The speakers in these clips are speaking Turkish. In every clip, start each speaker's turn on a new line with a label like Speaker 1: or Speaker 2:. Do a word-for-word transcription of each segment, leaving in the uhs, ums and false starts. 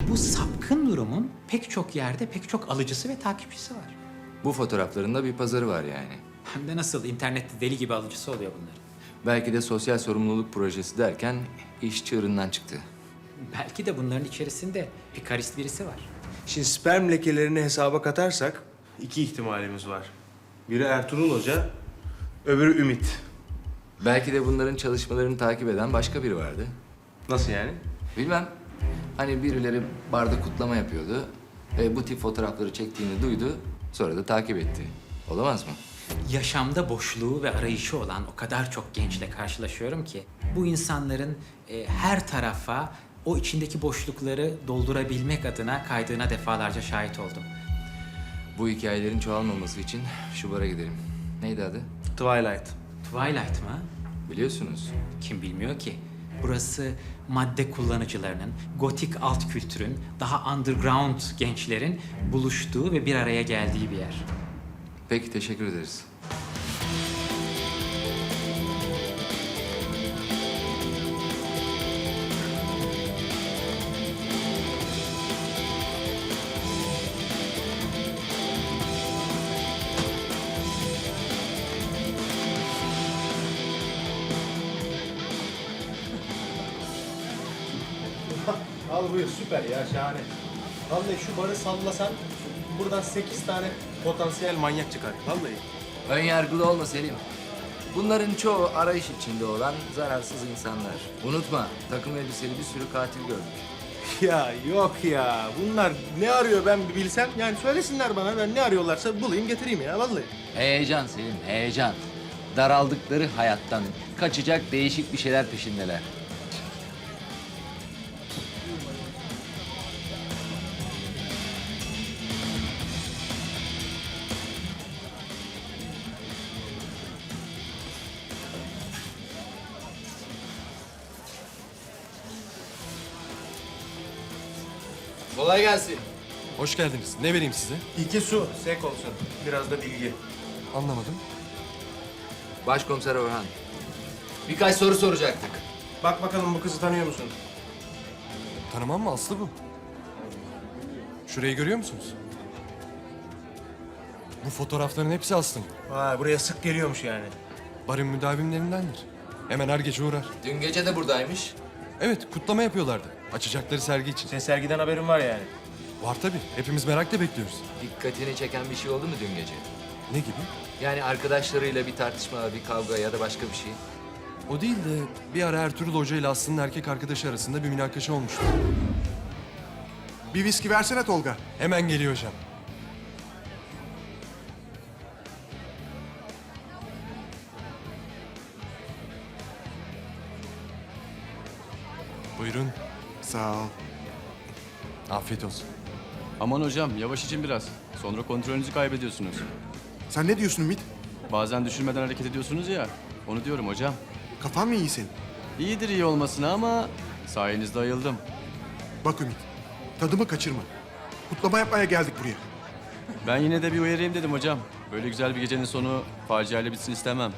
Speaker 1: Bu sapkın durumun pek çok yerde pek çok alıcısı ve takipçisi var.
Speaker 2: Bu fotoğraflarında bir pazarı var yani.
Speaker 1: Hem de nasıl internette deli gibi alıcısı oluyor bunların.
Speaker 2: Belki de sosyal sorumluluk projesi derken iş çığırından çıktı.
Speaker 1: Belki de bunların içerisinde pikarist birisi var.
Speaker 3: Şimdi sperm lekelerini hesaba katarsak iki ihtimalimiz var. Biri Ertuğrul Hoca, öbürü Ümit.
Speaker 2: Belki de bunların çalışmalarını takip eden başka biri vardı.
Speaker 3: Nasıl yani?
Speaker 2: Bilmem. Hani birileri barda kutlama yapıyordu. Ve bu tip fotoğrafları çektiğini duydu. Sonra da takip etti. Olamaz mı?
Speaker 1: Yaşamda boşluğu ve arayışı olan o kadar çok gençle karşılaşıyorum ki bu insanların e, her tarafa o içindeki boşlukları doldurabilmek adına kaydığına defalarca şahit oldum.
Speaker 2: Bu hikayelerin çoğalmaması için şu bara gidelim. Neydi adı?
Speaker 3: Twilight.
Speaker 1: Twilight mı?
Speaker 2: Biliyorsunuz.
Speaker 1: Kim bilmiyor ki? Burası madde kullanıcılarının, gotik alt kültürün, daha underground gençlerin buluştuğu ve bir araya geldiği bir yer.
Speaker 2: Peki, teşekkür ederiz.
Speaker 3: Al buyur, süper ya, şahane. Vallahi şu barı sallasan buradan sekiz tane potansiyel manyak çıkar. Vallahi.
Speaker 2: Ön yargılı olma Selim. Bunların çoğu arayış içinde olan zararsız insanlar. Unutma, takım elbiseli bir sürü katil gördük.
Speaker 3: Ya yok ya. Bunlar ne arıyor ben bir bilsem. Yani söylesinler bana, ben ne arıyorlarsa bulayım getireyim ya vallahi.
Speaker 2: Heyecan Selim, heyecan. Daraldıkları hayattan kaçacak değişik bir şeyler peşindeler. Kolay gelsin.
Speaker 4: Hoş geldiniz. Ne vereyim size?
Speaker 3: İki su, sek olsun. Biraz da bilgi.
Speaker 4: Anlamadım.
Speaker 2: Başkomiser Orhan. Birkaç soru soracaktık.
Speaker 3: Bak bakalım bu kızı tanıyor musun?
Speaker 4: Tanımam mı? Aslı bu. Şurayı görüyor musunuz? Bu fotoğrafların hepsi Aslı'nın.
Speaker 3: Vay, buraya sık geliyormuş yani.
Speaker 4: Barın müdavimlerindendir. Hemen her gece uğrar.
Speaker 2: Dün gece de buradaymış.
Speaker 4: Evet, kutlama yapıyorlardı. Açacakları sergi için.
Speaker 3: Senin sergiden haberin var yani.
Speaker 4: Var tabii. Hepimiz merakla bekliyoruz.
Speaker 2: Dikkatini çeken bir şey oldu mu dün gece?
Speaker 4: Ne gibi?
Speaker 2: Yani arkadaşlarıyla bir tartışma, bir kavga ya da başka bir şey.
Speaker 4: O değil de bir ara Ertuğrul Hoca ile Aslı'nın erkek arkadaşı arasında bir münakaşa olmuştu.
Speaker 5: Bir viski versene Tolga.
Speaker 4: Hemen geliyor hocam. Buyurun.
Speaker 5: Sağ ol.
Speaker 4: Afiyet olsun.
Speaker 6: Aman hocam yavaş için biraz. Sonra kontrolünüzü kaybediyorsunuz.
Speaker 5: Sen ne diyorsun Ümit?
Speaker 6: Bazen düşünmeden hareket ediyorsunuz ya. Onu diyorum hocam.
Speaker 5: Kafan mı iyi senin?
Speaker 6: İyidir iyi olmasına ama sayenizde ayıldım.
Speaker 5: Bak Ümit, tadımı kaçırma. Kutlama yapmaya geldik buraya.
Speaker 6: Ben yine de bir uyarayım dedim hocam. Böyle güzel bir gecenin sonu faciayla bitsin istemem.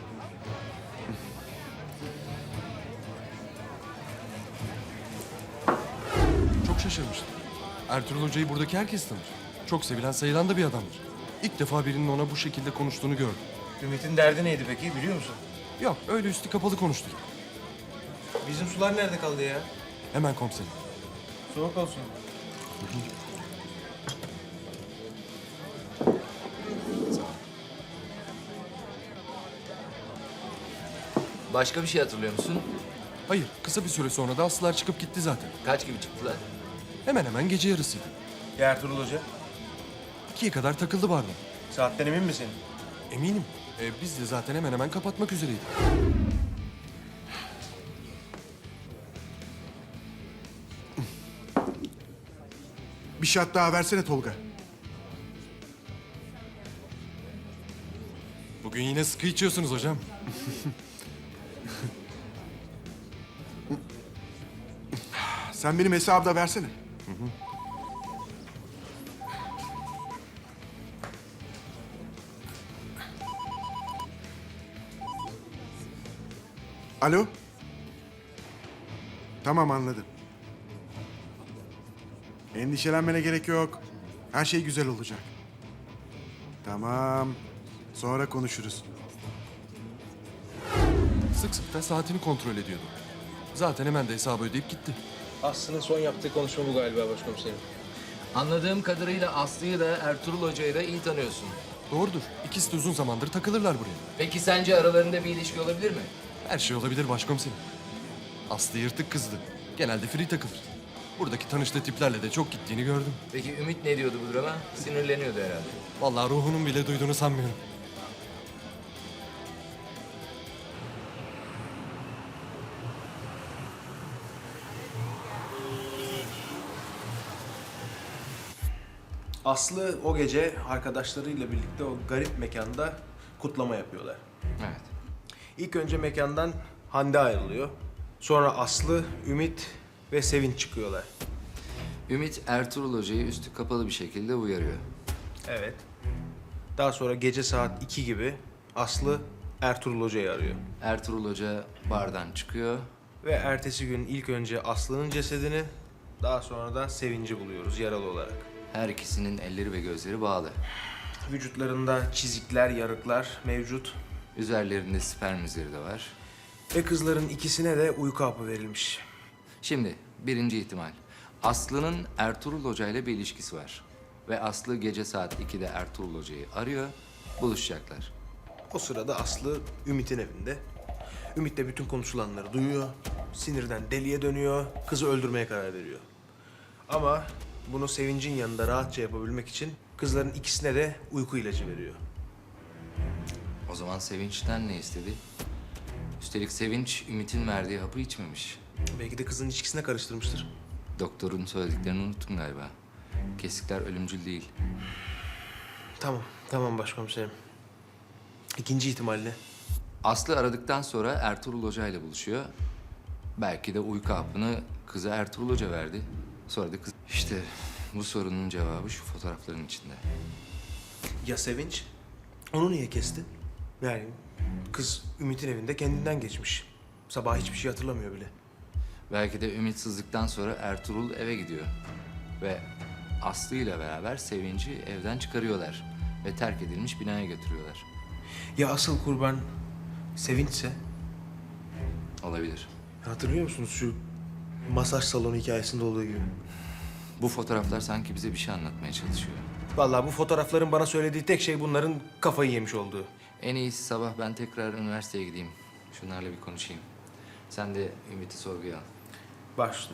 Speaker 4: Çok şaşırmıştım. Ertuğrul Hoca'yı buradaki herkes tanır. Çok sevilen sayılan da bir adamdır. İlk defa birinin ona bu şekilde konuştuğunu gördüm.
Speaker 3: Ümit'in derdi neydi peki biliyor musun?
Speaker 4: Yok, öyle üstü kapalı konuştuk.
Speaker 3: Bizim sular nerede kaldı ya?
Speaker 4: Hemen komiserim.
Speaker 3: Soğuk olsun.
Speaker 2: Başka bir şey hatırlıyor musun?
Speaker 4: Hayır, kısa bir süre sonra da Aslılar çıkıp gitti zaten.
Speaker 2: Kaç gibi çıktılar?
Speaker 4: Hemen hemen gece yarısıydı.
Speaker 3: Ya Ertuğrul Hoca?
Speaker 4: İkiye kadar takıldı barda.
Speaker 3: Saatten emin misin?
Speaker 4: Eminim. E, biz de zaten hemen hemen kapatmak üzereydik.
Speaker 5: Bir şat daha versene Tolga.
Speaker 4: Bugün yine sıkı içiyorsunuz hocam.
Speaker 5: Sen benim hesabı da versene. Alo? Tamam, anladım. Endişelenmene gerek yok. Her şey güzel olacak. Tamam. Sonra konuşuruz.
Speaker 4: Sık sık da saatini kontrol ediyordu. Zaten hemen de hesabı ödeyip gitti.
Speaker 3: Aslı'nın son yaptığı konuşma bu galiba başkomiserim.
Speaker 2: Anladığım kadarıyla Aslı'yı da Ertuğrul Hoca'yı da iyi tanıyorsun.
Speaker 4: Doğrudur. İkisi de uzun zamandır takılırlar buraya.
Speaker 2: Peki sence aralarında bir ilişki olabilir mi?
Speaker 4: Her şey olabilir başkomiserim. Aslı yırtık kızdı. Genelde free takılır. Buradaki tanıştığı tiplerle de çok gittiğini gördüm.
Speaker 2: Peki Ümit ne diyordu bu duruma? Sinirleniyordu herhalde.
Speaker 4: Vallahi ruhunun bile duyduğunu sanmıyorum.
Speaker 3: Aslı o gece arkadaşlarıyla birlikte o garip mekanda kutlama yapıyorlar.
Speaker 2: Evet.
Speaker 3: İlk önce mekandan Hande ayrılıyor. Sonra Aslı, Ümit ve Sevinç çıkıyorlar.
Speaker 2: Ümit Ertuğrul Hoca'yı üstü kapalı bir şekilde uyarıyor.
Speaker 3: Evet. Daha sonra gece saat iki gibi Aslı Ertuğrul Hoca'yı arıyor.
Speaker 2: Ertuğrul Hoca bardan çıkıyor.
Speaker 3: Ve ertesi gün ilk önce Aslı'nın cesedini, daha sonra da Sevinç'i buluyoruz yaralı olarak.
Speaker 2: Her ikisinin elleri ve gözleri bağlı.
Speaker 3: Vücutlarında çizikler, yarıklar mevcut.
Speaker 2: Üzerlerinde sperm izleri de var.
Speaker 3: Ve kızların ikisine de uyku hapı verilmiş.
Speaker 2: Şimdi birinci ihtimal. Aslı'nın Ertuğrul Hoca ile bir ilişkisi var. Ve Aslı gece saat ikide Ertuğrul Hoca'yı arıyor, buluşacaklar.
Speaker 3: O sırada Aslı Ümit'in evinde. Ümit de bütün konuşulanları duyuyor. Sinirden deliye dönüyor. Kızı öldürmeye karar veriyor. Ama bunu Sevinç'in yanında rahatça yapabilmek için kızların ikisine de uyku ilacı veriyor.
Speaker 2: O zaman Sevinç'ten ne istedi? Üstelik Sevinç, Ümit'in verdiği hapı içmemiş.
Speaker 3: Belki de kızın içkisine karıştırmıştır.
Speaker 2: Doktorun söylediklerini unuttun galiba. Kesikler ölümcül değil.
Speaker 3: Tamam, tamam başkomiserim. İkinci ihtimalle.
Speaker 2: Aslı aradıktan sonra Ertuğrul Hoca ile buluşuyor. Belki de uyku hapını kıza Ertuğrul Hoca verdi. Sonra da kız... İşte bu sorunun cevabı şu fotoğrafların içinde.
Speaker 3: Ya Sevinç? Onu niye kesti? Yani kız Ümit'in evinde kendinden geçmiş. Sabah hiçbir şey hatırlamıyor bile.
Speaker 2: Belki de ümitsizlikten sonra Ertuğrul eve gidiyor. Ve Aslı ile beraber Sevinç'i evden çıkarıyorlar. Ve terk edilmiş binaya götürüyorlar.
Speaker 3: Ya asıl kurban Sevinç'se?
Speaker 2: Olabilir.
Speaker 3: Hatırlıyor musunuz şu masaj salonu hikayesinde olduğu gibi?
Speaker 2: Bu fotoğraflar sanki bize bir şey anlatmaya çalışıyor.
Speaker 3: Vallahi bu fotoğrafların bana söylediği tek şey bunların kafayı yemiş olduğu.
Speaker 2: En iyisi sabah ben tekrar üniversiteye gideyim. Şunlarla bir konuşayım. Sen de Ümit'i sorguya al.
Speaker 3: Başlı.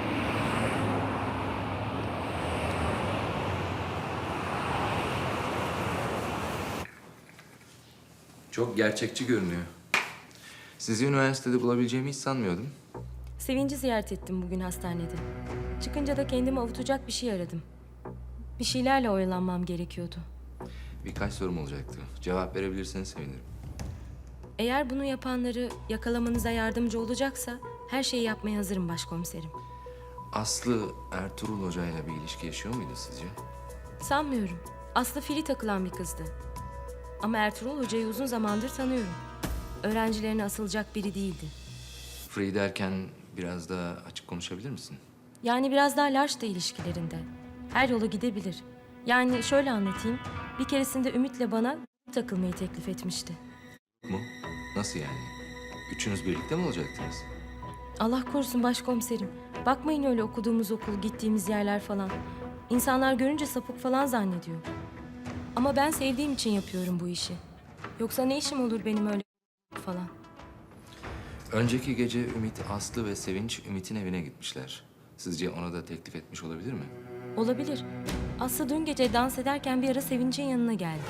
Speaker 2: Çok gerçekçi görünüyor. Sizi üniversitede bulabileceğimi hiç sanmıyordum.
Speaker 7: Sevinci ziyaret ettim bugün hastanede. Çıkınca da kendimi avutacak bir şey aradım. Bir şeylerle oyalanmam gerekiyordu.
Speaker 2: Birkaç sorum olacaktı. Cevap verebilirseniz sevinirim.
Speaker 7: Eğer bunu yapanları yakalamanıza yardımcı olacaksa her şeyi yapmaya hazırım başkomiserim.
Speaker 2: Aslı Ertuğrul Hoca ile bir ilişki yaşıyor muydu sizce?
Speaker 7: Sanmıyorum. Aslı fili takılan bir kızdı. Ama Ertuğrul Hoca'yı uzun zamandır tanıyorum. Öğrencilerine asılacak biri değildi.
Speaker 2: Free derken biraz daha açık konuşabilir misin?
Speaker 7: Yani biraz daha large da ilişkilerinde. Her yola gidebilir. Yani şöyle anlatayım. Bir keresinde Ümit'le bana takılmayı teklif etmişti.
Speaker 2: Mu? Nasıl yani? Üçünüz birlikte mi olacaktınız?
Speaker 7: Allah korusun başkomiserim. Bakmayın öyle okuduğumuz okul, gittiğimiz yerler falan. İnsanlar görünce sapık falan zannediyor. Ama ben sevdiğim için yapıyorum bu işi. Yoksa ne işim olur benim öyle falan.
Speaker 2: Önceki gece Ümit, Aslı ve Sevinç Ümit'in evine gitmişler. Sizce ona da teklif etmiş olabilir mi?
Speaker 7: Olabilir. Aslı dün gece dans ederken bir ara Sevinç'in yanına geldi.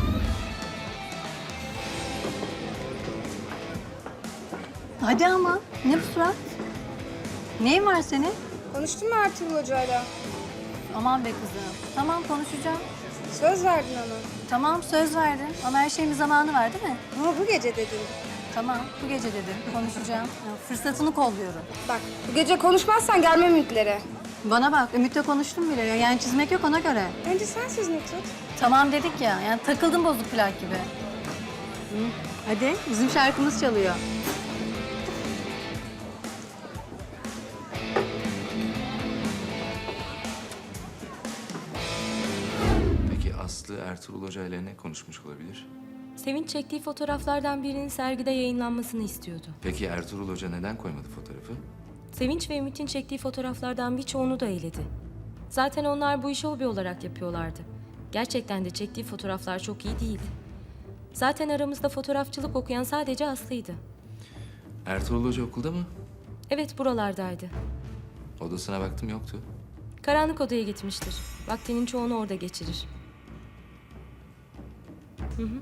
Speaker 8: Hadi ama. Ne bu surat? Neyin var senin?
Speaker 9: Konuştun mu Ertuğrul Hoca'yla?
Speaker 8: Aman be kızım. Tamam konuşacağım.
Speaker 9: Söz verdin ona.
Speaker 8: Tamam söz verdim ama her şeyin bir zamanı var değil mi?
Speaker 9: Ama bu gece dedin.
Speaker 8: Tamam bu gece dedim. Konuşacağım. Ya, fırsatını kolluyorum.
Speaker 9: Bak bu gece konuşmazsan gelmem Ümit'lere.
Speaker 8: Bana bak Ümit'le konuştum bile. Yani çizmek yok ona göre.
Speaker 9: Önce sen sözünü tut.
Speaker 8: Tamam dedik ya. Yani takıldım bozuk plak gibi. Hı, hadi bizim şarkımız çalıyor.
Speaker 2: Aslı Ertuğrul Hoca ile ne konuşmuş olabilir?
Speaker 7: Sevinç çektiği fotoğraflardan birinin sergide yayınlanmasını istiyordu.
Speaker 2: Peki Ertuğrul Hoca neden koymadı fotoğrafı?
Speaker 7: Sevinç ve Ümit'in çektiği fotoğraflardan birçoğunu da eledi. Zaten onlar bu işi hobi olarak yapıyorlardı. Gerçekten de çektiği fotoğraflar çok iyi değildi. Zaten aramızda fotoğrafçılık okuyan sadece Aslı'ydı.
Speaker 2: Ertuğrul Hoca okulda mı?
Speaker 7: Evet, buralardaydı.
Speaker 2: Odasına baktım, yoktu.
Speaker 7: Karanlık odaya gitmiştir. Vaktinin çoğunu orada geçirir. Hı hı.